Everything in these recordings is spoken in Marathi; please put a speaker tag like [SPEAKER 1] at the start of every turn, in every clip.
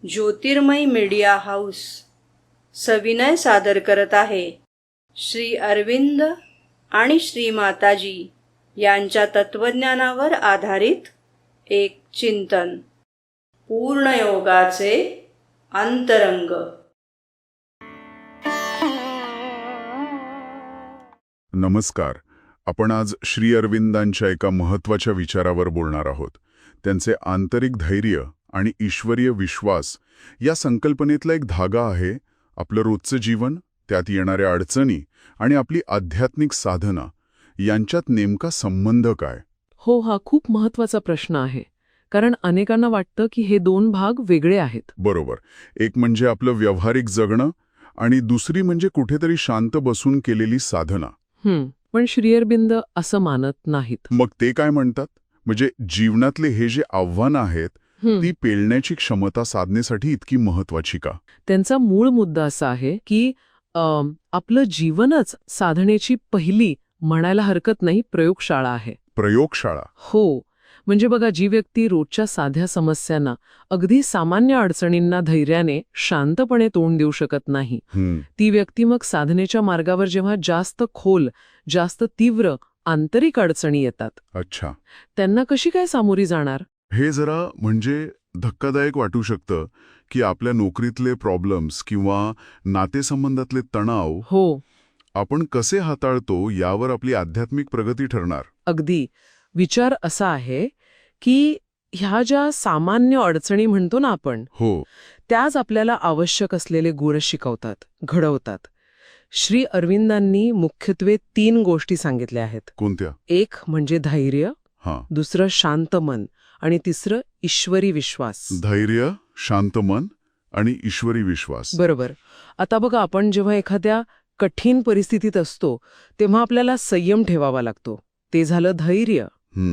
[SPEAKER 1] ज्योतिर्मय मीडिया हाऊस सविनय सादर करत आहे श्री अरविंद आणि श्री माताजी यांच्या तत्वज्ञानावर आधारित एक चिंतन, पूर्णयोगाचे अंतरंग.
[SPEAKER 2] नमस्कार. आपण आज श्री अरविंदांच्या एका महत्त्वाच्या विचारावर बोलणार आहोत. त्यांचे आंतरिक धैर्य आणि ईश्वरीय विश्वास या संकल्पनेतला एक धागा आहे. आपलं रोजचं जीवन, त्यात येणाऱ्या अडचणी आणि आपली आध्यात्मिक साधना यांच्यात नेमका संबंध काय?
[SPEAKER 3] हो, हा खूप महत्वाचा प्रश्न आहे. कारण अनेकांना वाटतं की हे दोन भाग वेगळे आहेत.
[SPEAKER 2] बरोबर. एक म्हणजे आपलं व्यावहारिक जगणं आणि दुसरी म्हणजे कुठेतरी शांत बसून केलेली साधना.
[SPEAKER 3] पण श्री अरविंद असं मानत नाहीत.
[SPEAKER 2] मग ते काय म्हणतात? म्हणजे जीवनातले हे जे आव्हानं आहेत ती पेलण्याची क्षमता साधनेसाठी इतकी महत्वाची का?
[SPEAKER 3] त्यांचा मूळ मुद्दा असा आहे की आपलं जीवनच साधनेची पहिली, म्हणायला हरकत नाही, प्रयोगशाळा आहे.
[SPEAKER 2] प्रयोगशाळा?
[SPEAKER 3] हो. म्हणजे बघा, जी व्यक्ती रोजच्या साध्या समस्यांना, अगदी सामान्य अडचणींना धैर्याने, शांतपणे तोंड देऊ शकत नाही, ती व्यक्ती मग साधनेच्या मार्गावर जेव्हा जास्त खोल, जास्त तीव्र आंतरिक अडचणी येतात,
[SPEAKER 2] अच्छा,
[SPEAKER 3] त्यांना कशी काय सामोरी जाणार?
[SPEAKER 2] हे जरा म्हणजे धक्कादायक वाटू शकतं की आपल्या नोकरीतले प्रॉब्लेम्स किंवा नातेसंबंधातले तणाव
[SPEAKER 3] हो,
[SPEAKER 2] आपण कसे हाताळतो यावर आपली आध्यात्मिक प्रगती ठरणार.
[SPEAKER 3] अगदी. विचार असा आहे की ह्या ज्या सामान्य अडचणी म्हणतो ना आपण,
[SPEAKER 2] हो,
[SPEAKER 3] त्याच आपल्याला आवश्यक असलेले गुण शिकवतात, घडवतात. श्री अरविंदांनी मुख्यत्वे 3 गोष्टी सांगितल्या आहेत.
[SPEAKER 2] कोणत्या?
[SPEAKER 3] एक म्हणजे धैर्य,
[SPEAKER 2] हां,
[SPEAKER 3] दुसरं शांत मन आणि तिसरं ईश्वरी विश्वास.
[SPEAKER 2] धैर्य, शांत मन आणि ईश्वरी विश्वास.
[SPEAKER 3] बरोबर. आता बघा, आपण जेव्हा एखाद्या कठीण परिस्थितीत असतो तेव्हा आपल्याला संयम ठेवावा लागतो. ते झालं धैर्य.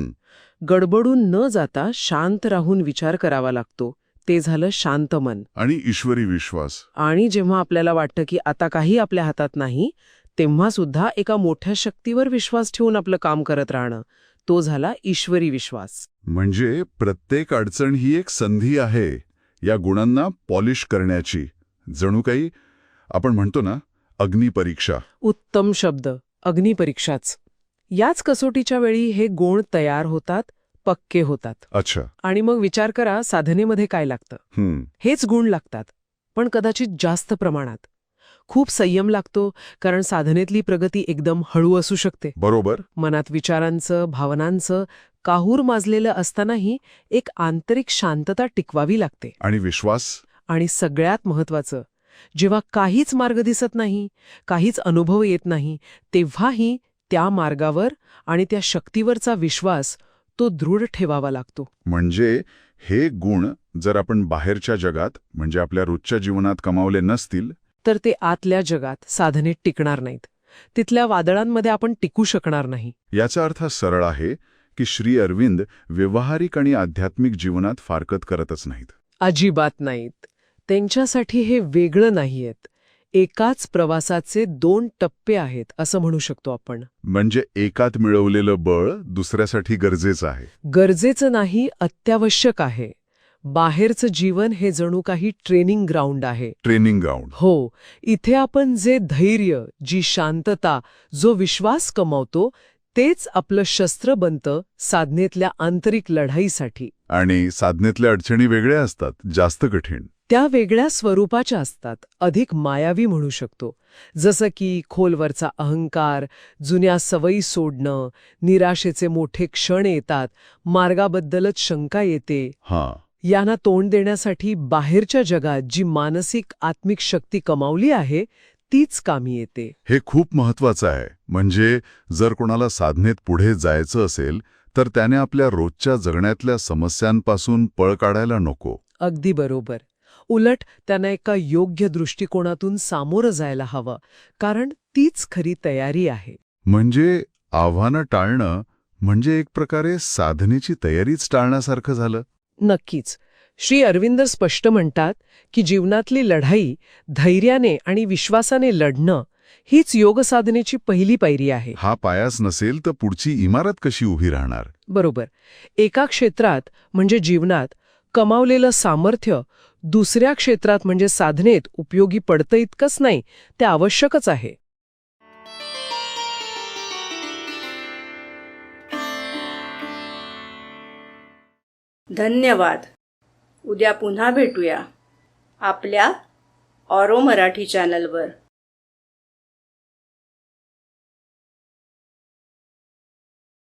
[SPEAKER 3] गडबडून न जाता शांत राहून विचार करावा लागतो. ते झालं शांत मन.
[SPEAKER 2] आणि ईश्वरी विश्वास.
[SPEAKER 3] आणि जेव्हा आपल्याला वाटतं की आता काही आपल्या हातात नाही, तेव्हा सुद्धा एका मोठ्या शक्तीवर विश्वास ठेवून आपलं काम करत राहणं, तो झाला ईश्वरी विश्वास.
[SPEAKER 2] म्हणजे प्रत्येक अडचण ही एक संधी आहे या गुणांना पॉलिश करण्याची. जणू काही आपण म्हणतो ना, अग्निपरीक्षा.
[SPEAKER 3] उत्तम शब्द, अग्निपरीक्षाच. याच कसोटीच्या वेळी हे गुण तयार होतात, पक्के होतात.
[SPEAKER 2] अच्छा.
[SPEAKER 3] आणि मग विचार करा, साधनेमध्ये काय लागतं? हेच गुण लागतात, पण कदाचित जास्त प्रमाणात. खूप संयम लागतो, कारण साधनेतली प्रगती एकदम हळू असू शकते.
[SPEAKER 2] बरोबर.
[SPEAKER 3] मनात विचारांचं, भावनांचं काहूर माजलेलं असतानाही एक आंतरिक शांतता टिकवावी लागते.
[SPEAKER 2] आणि विश्वास?
[SPEAKER 3] आणि सगळ्यात महत्वाचं, जेव्हा काहीच मार्ग दिसत नाही, काहीच अनुभव येत नाही, तेव्हाही त्या मार्गावर आणि त्या शक्तीवरचा विश्वास तो दृढ ठेवावा लागतो.
[SPEAKER 2] म्हणजे हे गुण जर आपण बाहेरच्या जगात, म्हणजे आपल्या रोजच्या जीवनात कमावले नसतील,
[SPEAKER 3] तर ते आतल्या जगात साधनेत टिकणार नाहीत. तिथल्या वादळांमध्ये आपण टिकू शकणार नाही.
[SPEAKER 2] याचा अर्थ सरळ आहे की श्री अरविंद व्यवहारिक आणि आध्यात्मिक जीवनात फारकत करतच नाहीत.
[SPEAKER 3] अजिबात नाहीत. त्यांच्यासाठी हे वेगळं नाहीयेत. एकाच प्रवासाचे 2 टप्पे आहेत, असं म्हणू शकतो आपण.
[SPEAKER 2] म्हणजे एकात मिळवलेलं बळ दुसऱ्यासाठी गरजेचं आहे.
[SPEAKER 3] गरजेचं नाही, अत्यावश्यक आहे. बाहेरचं जीवन हे जणू काही ट्रेनिंग ग्राउंड आहे.
[SPEAKER 2] Training ground?
[SPEAKER 3] हो. इथे आपण जे धैर्य, जी शांतता, जो विश्वास कमावतो, तेच आपलं शस्त्र बनतं साधनेतल्या आंतरिक लढाईसाठी.
[SPEAKER 2] आणि साधनेतल्या अडचणी वेगळ्या असतात, जास्त कठीण.
[SPEAKER 3] त्या वेगळ्या स्वरूपाच्या असतात, अधिक मायावी म्हणू शकतो. जसं की खोलवरचा अहंकार, जुन्या सवयी सोडणं, निराशेचे मोठे क्षण येतात, मार्गाबद्दलच शंका येते. यांना तोंड देण्यासाठी बाहेरच्या जगात जी मानसिक आत्मिक शक्ती कमावली आहे, तीच कामी येते.
[SPEAKER 2] हे खूप महत्वाचं आहे. म्हणजे जर कोणाला साधनेत पुढे जायचं असेल तर त्याने आपल्या रोजच्या जगण्यातल्या समस्यांपासून पळ काढायला नको.
[SPEAKER 3] अगदी बरोबर. उलट त्यांना एका योग्य दृष्टिकोनातून सामोरं जायला हवं, कारण तीच खरी तयारी आहे.
[SPEAKER 2] म्हणजे आव्हानं टाळणं म्हणजे एक प्रकारे साधनेची तयारीच टाळण्यासारखं झालं.
[SPEAKER 3] नक्कीच. श्री अरविंद स्पष्ट म्हणतात की जीवनातली लढाई धैर्याने आणि विश्वासाने लढणं हीच योगसाधनेची पहिली पायरी आहे.
[SPEAKER 2] हा पायाच नसेल तर पुढची इमारत कशी उभी राहणार?
[SPEAKER 3] बरोबर. एका क्षेत्रात म्हणजे जीवनात कमावलेलं सामर्थ्य दुसऱ्या क्षेत्रात म्हणजे साधनेत उपयोगी पडतं इतकंच नाही, ते आवश्यकच आहे.
[SPEAKER 1] धन्यवाद. उद्या पुन्हा भेटूया आपल्या ऑरो मराठी चॅनलवर.